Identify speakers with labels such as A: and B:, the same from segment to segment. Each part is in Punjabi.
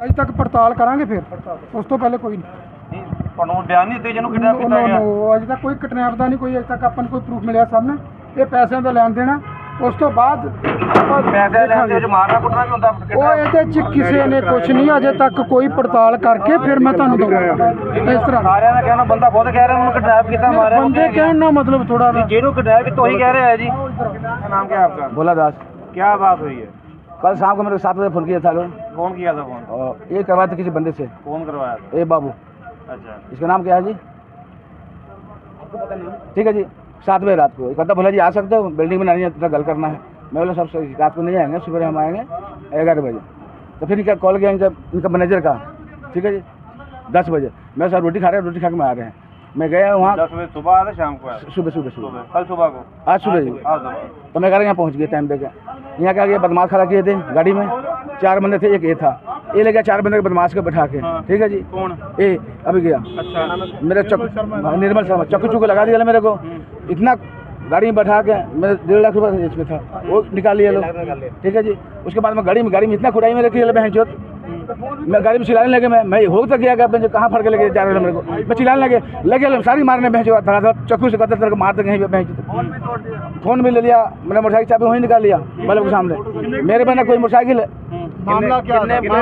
A: अज तक पड़ताल करांगे, फिर उस तो पहले कोई नहीं।
B: बयान नहीं दिते जिन्होंने किडनैप किया गया?
A: अज तक कोई किडनैप का नहीं, कोई अज तक अपन कोई प्रूफ मिले सामने। ये पैसों का लैन देना, उस तो बाद किसी ने कुछ नहीं, अजे तक कोई पड़ताल करके फिर मैं तुहानू दूंगा। इस तरह
B: बंदा खुद कह रहा है किडनैप किया, मारा
A: बंदे कहने ना मतलब थोड़ा
B: जेनू किडनैप किया वही कह रहे हैं जी। नाम क्या है आपका?
C: भोला दास।
B: क्या बात हुई है?
C: कल शाम को मेरे 7 बजे फोन किया था लोग।
B: कौन किया था फोन?
C: और ये करवाया था किसी बंदे से।
B: कौन करवाया था?
C: ए बाबू।
B: अच्छा,
C: इसका नाम क्या है जी? ठीक है जी। 7 बजे रात को कहता भोला जी आ सकते हो, बिल्डिंग में नहीं है, गल करना है। मैं बोला सब रात को नहीं आएंगे, सुबह हम आएंगे 11 बजे। तो फिर क्या कॉल किया इनका मैनेजर का, ठीक है जी। 10 बजे मैं सर रोटी खा रहे हैं, रोटी खा के मैं आ रहे हैं। मैं गया वहाँ
B: 10 बजे सुबह आया था, शाम को आया?
C: सुबह
B: कल सुबह को?
C: आज सुबह जी। तो मैं कह रहा यहाँ पहुँच गया टाइम देकर। यहाँ क्या किया, बदमाश खड़ा किए थे गाड़ी में, 4 बंदे थे, एक ये था। ये ले गया 4 बंदे के बदमाश को बैठा के, ठीक है जी।
B: कौन?
C: ए अभी गया।
B: अच्छा,
C: मेरे निर्मल शर्मा चक्कू लगा दिया मेरे को, इतना गाड़ी में बैठा के। मेरे 1.5 लाख रुपये इसमें था, वो निकाल लिया लोग, ठीक है जी। उसके बाद मैं गाड़ी में इतना खुदाई में रखी बहन चोत। मैं गाड़ी में चिल्लाने लगे, मैं हो तक गया बहन कहाँ फड़ के लगे जा रहे मेरे को। मैं चिल्लाने लगे सारी मारने बहन चो, चक्कू से कहते तरह मारते कहीं बहन। फोन भी ले लिया, मैंने मोटरसाइकिल चाबी वहीं निकाल लिया बल्ब के सामने। मेरे बहन कोई मोटरसाइकिल है।
A: मामला क्या?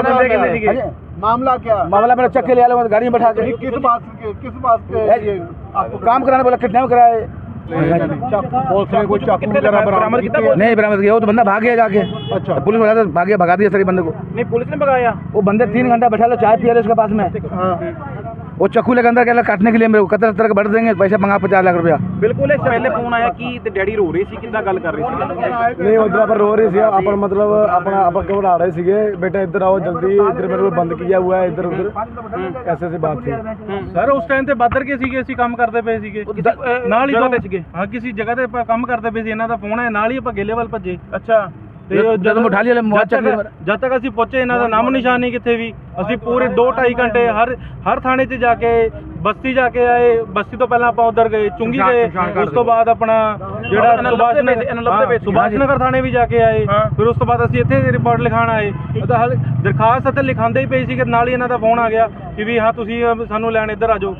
C: मामला मेरा चक्के ले आया गाड़ी में बैठा के।
A: किस बात के
C: काम कराने बोला, किडनैप कराए।
A: पुलिस ने कोई चाकू वगैरह बरामद किया?
C: नहीं बरामद किया, वो तो बंदा भाग गया जाके। अच्छा, पुलिस वाला तो भगा दिया सारी बंदे को।
B: नहीं पुलिस ने भगाया?
C: वो बंदे 3 घंटा बैठा लो, चाय पिया उसके पास में। वो चक्कू लेकर अंदर क्या काटने के लिए मेरे को कतर तरह बढ़ देंगे, पैसे मंगा 50 लाख रुपया।
B: बिल्कुल पहले फोन आया कि डैडी रो रही थी, कितना गल कर रही थी?
D: नहीं उधर पर रो रही थी अपन, मतलब अपना घबरा रहे थे, बेटा इधर आओ जल्दी, इधर मेरे को बंद किया हुआ है, इधर उधर ऐसे बात थी।
E: सर उस टाइम ਤੇ ਬਾਦਰ ਕੇ ਸੀਗੇ, ਅਸੀਂ ਕੰਮ ਕਰਦੇ ਪਏ ਸੀਗੇ ਨਾਲ ਹੀ ਜਗ੍ਹਾ ਤੇ ਸੀਗੇ। ਹਾਂ ਕਿਸੇ ਜਗ੍ਹਾ ਤੇ ਆਪਾਂ ਕੰਮ ਕਰਦੇ ਪਏ ਸੀ, ਇਹਨਾਂ ਦਾ ਫੋਨ ਆਇਆ, ਨਾਲ ਹੀ ਆਪਾਂ ਗੇਲੇ ਵੱਲ ਭੱਜੇ।
B: ਅੱਛਾ,
E: ਜਦੋਂ ਉਠਾ ਲਿਆ ਜਦ ਤੱਕ ਅਸੀਂ ਪਹੁੰਚੇ ਇਹਨਾਂ ਦਾ ਨਾਮ ਨਿਸ਼ਾਨ ਨਹੀਂ ਕਿੱਥੇ ਵੀ। ਅਸੀਂ ਪੂਰੇ 2-2.5 ਘੰਟੇ ਹਰ ਥਾਣੇ 'ਚ ਜਾ ਕੇ, ਬਸਤੀ ਜਾ ਕੇ ਆਏ। ਬਸਤੀ ਤੋਂ ਪਹਿਲਾਂ ਆਪਾਂ ਉਧਰ ਗਏ ਚੁੰਗੀ ਗਏ, ਉਸ ਤੋਂ ਬਾਅਦ ਆਪਣਾ ਜਿਹੜਾ ਸੁਭਾਸ਼ ਨਗਰ ਥਾਣੇ ਵੀ ਜਾ ਕੇ ਆਏ। ਫਿਰ ਉਸ ਤੋਂ ਬਾਅਦ ਅਸੀਂ ਇੱਥੇ ਰਿਪੋਰਟ ਲਿਖਾਣ ਆਏ। ਦਰਖਾਸਤ ਅਤੇ ਲਿਖਾਉਂਦੇ ਹੀ ਪਏ ਸੀ ਕਿ ਨਾਲ ਹੀ ਇਹਨਾਂ ਦਾ ਫੋਨ ਆ ਗਿਆ ਕਿ ਵੀ ਹਾਂ ਤੁਸੀਂ ਸਾਨੂੰ ਲੈਣ ਇੱਧਰ ਆ ਜਾਓ।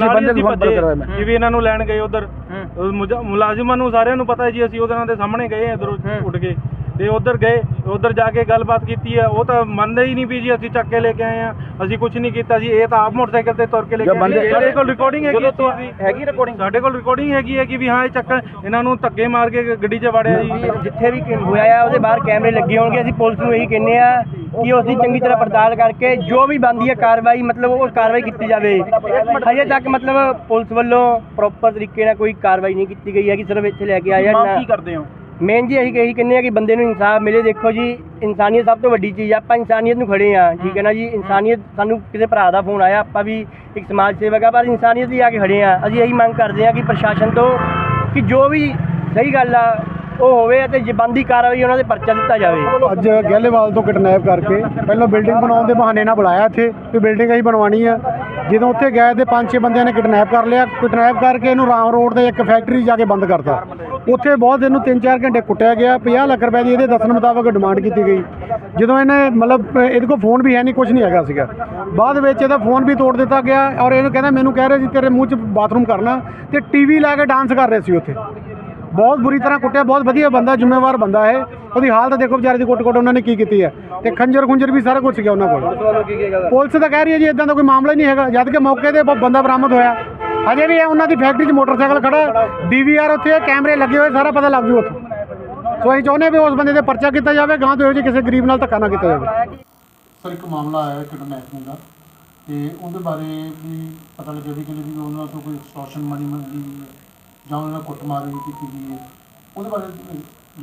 E: ਕਿ ਵੀ ਇਹਨਾਂ ਨੂੰ ਲੈਣ ਗਏ ਉਧਰ। ਮੁਲਾਜ਼ਮਾਂ ਨੂੰ ਸਾਰਿਆਂ ਨੂੰ ਪਤਾ ਹੈ ਜੀ, ਅਸੀਂ ਉਹਨਾਂ ਦੇ ਸਾਹਮਣੇ ਗਏ ਇੱਧਰੋਂ ਉੱਠ ਕੇ ਤੇ ਉਧਰ ਗਏ। ਉਧਰ ਜਾ ਕੇ ਗੱਲਬਾਤ ਕੀਤੀ ਹੈ, ਉਹ ਤਾਂ ਮੰਨਦੇ ਹੀ ਨਹੀਂ ਵੀ ਜੀ ਅਸੀਂ ਚੱਕ ਕੇ ਲੈ ਕੇ ਆਏ ਆ, ਅਸੀਂ ਕੁਝ ਨਹੀਂ ਕੀਤਾ ਜੀ। ਇਹ ਤਾਂ ਆਪ ਮੋਟਰਸਾਈਕਲ ਤੇ ਤੁਰ ਕੇ ਲੈ ਕੇ ਆਏ। ਸਾਡੇ ਕੋਲ ਰਿਕਾਰਡਿੰਗ ਹੈਗੀ, ਰਿਕਾਰਡਿੰਗ ਸਾਡੇ ਕੋਲ ਰਿਕਾਰਡਿੰਗ ਹੈਗੀ ਹੈ ਕਿ ਵੀ ਹਾਂ ਇਹ ਚੱਕ ਇਹਨਾਂ ਨੂੰ ਧੱਕੇ ਮਾਰ ਕੇ ਗੱਡੀ 'ਚ ਵੜਿਆ ਜੀ।
F: ਜਿੱਥੇ ਵੀ ਹੋਇਆ ਆ ਉਹਦੇ ਬਾਹਰ ਕੈਮਰੇ ਲੱਗੇ ਹੋਣਗੇ। ਅਸੀਂ ਪੁਲਿਸ ਨੂੰ ਇਹੀ ਕਹਿੰਦੇ ਆ ਕਿ ਉਸ ਦੀ ਚੰਗੀ ਤਰ੍ਹਾਂ ਪੜਤਾਲ ਕਰਕੇ ਜੋ ਵੀ ਬਣਦੀ ਹੈ ਕਾਰਵਾਈ, ਮਤਲਬ ਉਹ ਕਾਰਵਾਈ ਕੀਤੀ ਜਾਵੇ। ਹਜੇ ਤੱਕ ਮਤਲਬ ਪੁਲਿਸ ਵੱਲੋਂ ਪ੍ਰੋਪਰ ਤਰੀਕੇ ਨਾਲ ਕੋਈ ਕਾਰਵਾਈ ਨਹੀਂ ਕੀਤੀ ਗਈ ਹੈ ਕਿ ਸਿਰਫ ਇੱਥੇ ਲੈ ਕੇ ਆਏ ਆ।
B: ਕੀ ਕਰਦੇ ਹੋ?
F: ਮੇਨ ਜੀ ਇਹੀ ਕਹਿੰਦੇ ਆ ਕਿ ਬੰਦੇ ਨੂੰ ਇਨਸਾਫ ਮਿਲੇ। ਦੇਖੋ ਜੀ, ਇਨਸਾਨੀਅਤ ਸਭ ਤੋਂ ਵੱਡੀ ਚੀਜ਼ ਆ। ਆਪਾਂ ਇਨਸਾਨੀਅਤ ਨੂੰ ਖੜੇ ਆ, ਠੀਕ ਹੈ ਨਾ ਜੀ। ਇਨਸਾਨੀਅਤ, ਸਾਨੂੰ ਕਿਸੇ ਭਰਾ ਦਾ ਫੋਨ ਆਇਆ, ਆਪਾਂ ਵੀ ਇੱਕ ਸਮਾਜ ਸੇਵਕ ਆ, ਪਰ ਇਨਸਾਨੀਅਤ ਹੀ ਆ ਕੇ ਖੜੇ ਆ। ਅਸੀਂ ਇਹੀ ਮੰਗ ਕਰਦੇ ਆ ਕਿ ਪ੍ਰਸ਼ਾਸਨ ਤੋਂ ਕਿ ਜੋ ਵੀ ਸਹੀ ਗੱਲ ਆ ਉਹ ਹੋਵੇ ਅਤੇ ਜੇ ਬਣਦੀ ਕਾਰਵਾਈ ਉਹਨਾਂ ਦੇ ਪਰਚਾ ਦਿੱਤਾ ਜਾਵੇ।
D: ਅੱਜ ਗਹਿਲੇਵਾਲ ਤੋਂ ਕਿਡਨੈਪ ਕਰਕੇ ਪਹਿਲਾਂ ਬਿਲਡਿੰਗ ਬਣਾਉਣ ਦੇ ਬਹਾਨੇ ਨਾਲ ਬੁਲਾਇਆ ਇੱਥੇ ਵੀ ਬਿਲਡਿੰਗ ਅਸੀਂ ਬਣਵਾਉਣੀ ਆ। ਜਦੋਂ ਉੱਥੇ ਗਏ ਤੇ 5-6 ਬੰਦਿਆਂ ਨੇ ਕਿਡਨੈਪ ਕਰ ਲਿਆ। ਕਿਡਨੈਪ ਕਰਕੇ ਇਹਨੂੰ ਰਾਮ ਰੋਡ ਦੇ ਇੱਕ ਫੈਕਟਰੀ ਜਾ ਕੇ ਬੰਦ ਕਰਤਾ। ਉੱਥੇ ਬਹੁਤ ਇਹਨੂੰ 3-4 ਘੰਟੇ ਕੁੱਟਿਆ ਗਿਆ। 50 ਲੱਖ ਰੁਪਏ ਦੀ ਇਹਦੇ ਦੱਸਣ ਮੁਤਾਬਕ ਡਿਮਾਂਡ ਕੀਤੀ ਗਈ। ਜਦੋਂ ਇਹਨੇ ਮਤਲਬ ਇਹਦੇ ਕੋਲ ਫੋਨ ਵੀ ਹੈ ਨਹੀਂ, ਕੁਝ ਨਹੀਂ ਹੈਗਾ ਸੀਗਾ। ਬਾਅਦ ਵਿੱਚ ਇਹਦਾ ਫੋਨ ਵੀ ਤੋੜ ਦਿੱਤਾ ਗਿਆ ਔਰ ਇਹਨੂੰ ਕਹਿੰਦਾ ਮੈਨੂੰ ਕਹਿ ਰਹੇ ਸੀ ਤੇਰੇ ਮੂੰਹ 'ਚ ਬਾਥਰੂਮ ਕਰਨਾ, ਤੇ ਟੀਵੀ ਲਾ ਕੇ ਡਾਂਸ ਕਰ ਰਹੇ ਸੀ ਉੱਥੇ। ਬਹੁਤ ਬੁਰੀ ਤਰ੍ਹਾਂ ਕੁੱਟਿਆ। ਬਹੁਤ ਵਧੀਆ ਬੰਦਾ, ਜ਼ਿੰਮੇਵਾਰ ਬੰਦਾ ਹੈ। ਉਹਦੀ ਹਾਲਤ ਦੇਖੋ ਵਿਚਾਰੇ ਦੀ, ਕੁੱਟ ਉਹਨਾਂ ਨੇ ਕੀ ਕੀਤੀ ਹੈ। ਤੇ ਖੰਜਰ ਵੀ ਸਾਰਾ ਕੁਝ ਸੀਗਾ ਉਹਨਾਂ ਕੋਲ। ਪੁਲਿਸ ਤਾਂ ਕਹਿ ਰਹੀ ਹੈ ਜੀ ਇਦਾਂ ਦਾ ਕੋਈ ਮਾਮਲਾ ਹੀ ਨਹੀਂ ਹੈਗਾ, ਜਦ ਕਿ ਮੌਕੇ 'ਤੇ ਬੰਦਾ ਬਰਾਮਦ ਹੋਇਆ। ਅਜੇ ਵੀ ਉਹਨਾਂ ਦੀ ਫੈਕਟਰੀ 'ਚ ਮੋਟਰਸਾਈਕਲ ਖੜਾ, DVR ਉੱਥੇ ਕੈਮਰੇ ਲੱਗੇ ਹੋਏ, ਸਾਰਾ ਪਤਾ ਲੱਗ ਜੂ ਉੱਥੇ। ਸੋ ਅਸੀਂ ਚਾਹੁੰਦੇ ਵੀ ਉਸ ਬੰਦੇ 'ਤੇ ਪਰਚਾ ਕੀਤਾ ਜਾਵੇ, ਗਾਂ ਤੋਂ ਇਹੋ ਜਿਹੇ ਕਿਸੇ ਗਰੀਬ ਨਾਲ ਧੱਕਾ ਨਾ ਕੀਤਾ ਜਾਵੇ।
A: ਸਰ ਇੱਕ ਮਾਮਲਾ ਆਇਆ ਕਿਡਨੈਪਿੰਗ ਦਾ, ਤੇ ਉਹਦੇ ਬਾਰੇ ਵੀ ਪਤਾ ਲੱਗਿਆ ਵੀ ਕਿ ਉਹਨਾਂ ਤੋਂ ਕੋਈ ਐਕਸਟੋਰਸ਼ਨ ਮਨੀ ਮੰਗੀ ਜਾਂ ਉਹਨਾਂ ਨਾਲ ਕੁੱਟਮਾਰ ਵੀ ਕੀਤੀ ਗਈ ਹੈ, ਉਹਦੇ ਬਾਰੇ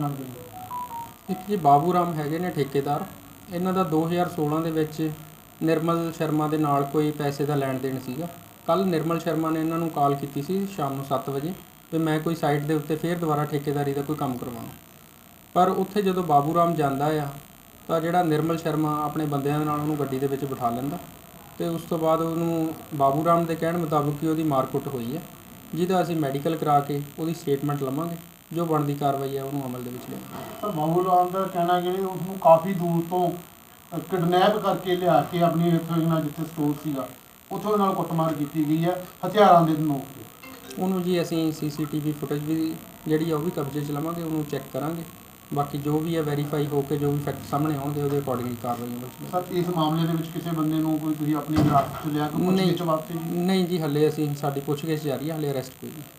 A: ਜਾਣਕਾਰੀ।
G: ਇੱਕ ਜੀ ਬਾਬੂ ਰਾਮ ਹੈਗੇ ਨੇ ਠੇਕੇਦਾਰ, ਇਹਨਾਂ ਦਾ 2016 ਦੇ ਵਿੱਚ ਨਿਰਮਲ ਸ਼ਰਮਾ ਦੇ ਨਾਲ ਕੋਈ ਪੈਸੇ ਦਾ ਲੈਣ ਦੇਣ ਸੀਗਾ। ਕੱਲ੍ਹ ਨਿਰਮਲ ਸ਼ਰਮਾ ਨੇ ਇਹਨਾਂ ਨੂੰ ਕਾਲ ਕੀਤੀ ਸੀ ਸ਼ਾਮ ਨੂੰ 7 ਵਜੇ ਵੀ ਮੈਂ ਕੋਈ ਸਾਈਟ ਦੇ ਉੱਤੇ ਫਿਰ ਦੁਬਾਰਾ ਠੇਕੇਦਾਰੀ ਦਾ ਕੋਈ ਕੰਮ ਕਰਵਾਉਣਾ। ਪਰ ਉੱਥੇ ਜਦੋਂ ਬਾਬੂ ਰਾਮ ਜਾਂਦਾ ਆ ਤਾਂ ਜਿਹੜਾ ਨਿਰਮਲ ਸ਼ਰਮਾ ਆਪਣੇ ਬੰਦਿਆਂ ਦੇ ਨਾਲ ਉਹਨੂੰ ਗੱਡੀ ਦੇ ਵਿੱਚ ਬਿਠਾ ਲੈਂਦਾ ਅਤੇ ਉਸ ਤੋਂ ਬਾਅਦ ਉਹਨੂੰ ਬਾਬੂ ਰਾਮ ਦੇ ਕਹਿਣ ਮੁਤਾਬਕ ਹੀ ਉਹਦੀ ਮਾਰਕੁੱਟ ਹੋਈ ਹੈ, ਜਿਹਦਾ ਅਸੀਂ ਮੈਡੀਕਲ ਕਰਾ ਕੇ ਉਹਦੀ ਸਟੇਟਮੈਂਟ ਲਵਾਂਗੇ। ਜੋ ਬਣਦੀ ਕਾਰਵਾਈ ਹੈ ਉਹਨੂੰ ਅਮਲ ਦੇ ਵਿੱਚ ਲਿਆਵਾਂਗੇ।
A: ਸਰ ਬਾਬੂ ਰਾਮ ਦਾ ਕਹਿਣਾ ਕਿ ਉਸਨੂੰ ਕਾਫੀ ਦੂਰ ਤੋਂ ਕਿਡਨੈਪ ਕਰਕੇ ਲਿਆ ਕੇ ਆਪਣੀ ਇੱਥੋਂ ਇਹਨਾਂ ਜਿੱਥੇ ਸਟੋਰ ਸੀਗਾ ਉੱਥੋਂ ਇਹਨਾਂ ਨਾਲ ਕੁੱਟਮਾਰ ਕੀਤੀ ਗਈ ਹੈ ਹਥਿਆਰਾਂ ਦੇ ਨੋਕ ਤੇ।
G: ਉਹਨੂੰ ਜੀ ਅਸੀਂ ਸੀਸੀਟੀਵੀ ਫੁਟੇਜ ਵੀ ਜਿਹੜੀ ਆ ਉਹ ਵੀ ਕਬਜ਼ੇ 'ਚ ਲਵਾਂਗੇ, ਉਹਨੂੰ ਚੈੱਕ ਕਰਾਂਗੇ। ਬਾਕੀ ਜੋ ਵੀ ਹੈ ਵੈਰੀਫਾਈ ਹੋ ਕੇ ਜੋ ਵੀ ਫੈਕਟ ਸਾਹਮਣੇ ਆਉਣਗੇ ਉਹਦੇ ਅਕੋਰਡਿੰਗਲੀ ਕਾਰਵਾਈ ਹੋਵੇਗੀ।
A: ਸਰ ਇਸ ਮਾਮਲੇ ਦੇ ਵਿੱਚ ਕਿਸੇ ਬੰਦੇ ਨੂੰ ਕੋਈ ਤੁਸੀਂ ਆਪਣੀ ਹਿਰਾਸਤ 'ਚ ਲਿਆ ਕੋਈ ਪੁੱਛਗਿੱਛ ਵਾਸਤੇ ਜੀ?
G: ਨਹੀਂ ਜੀ, ਹੱਲੇ ਅਸੀਂ ਸਾਡੀ ਪੁੱਛਗਿੱਛ ਜਾਰੀ ਹੈ, ਹੱਲੇ ਅਰੈਸਟ ਕੋਈ ਨਹੀਂ।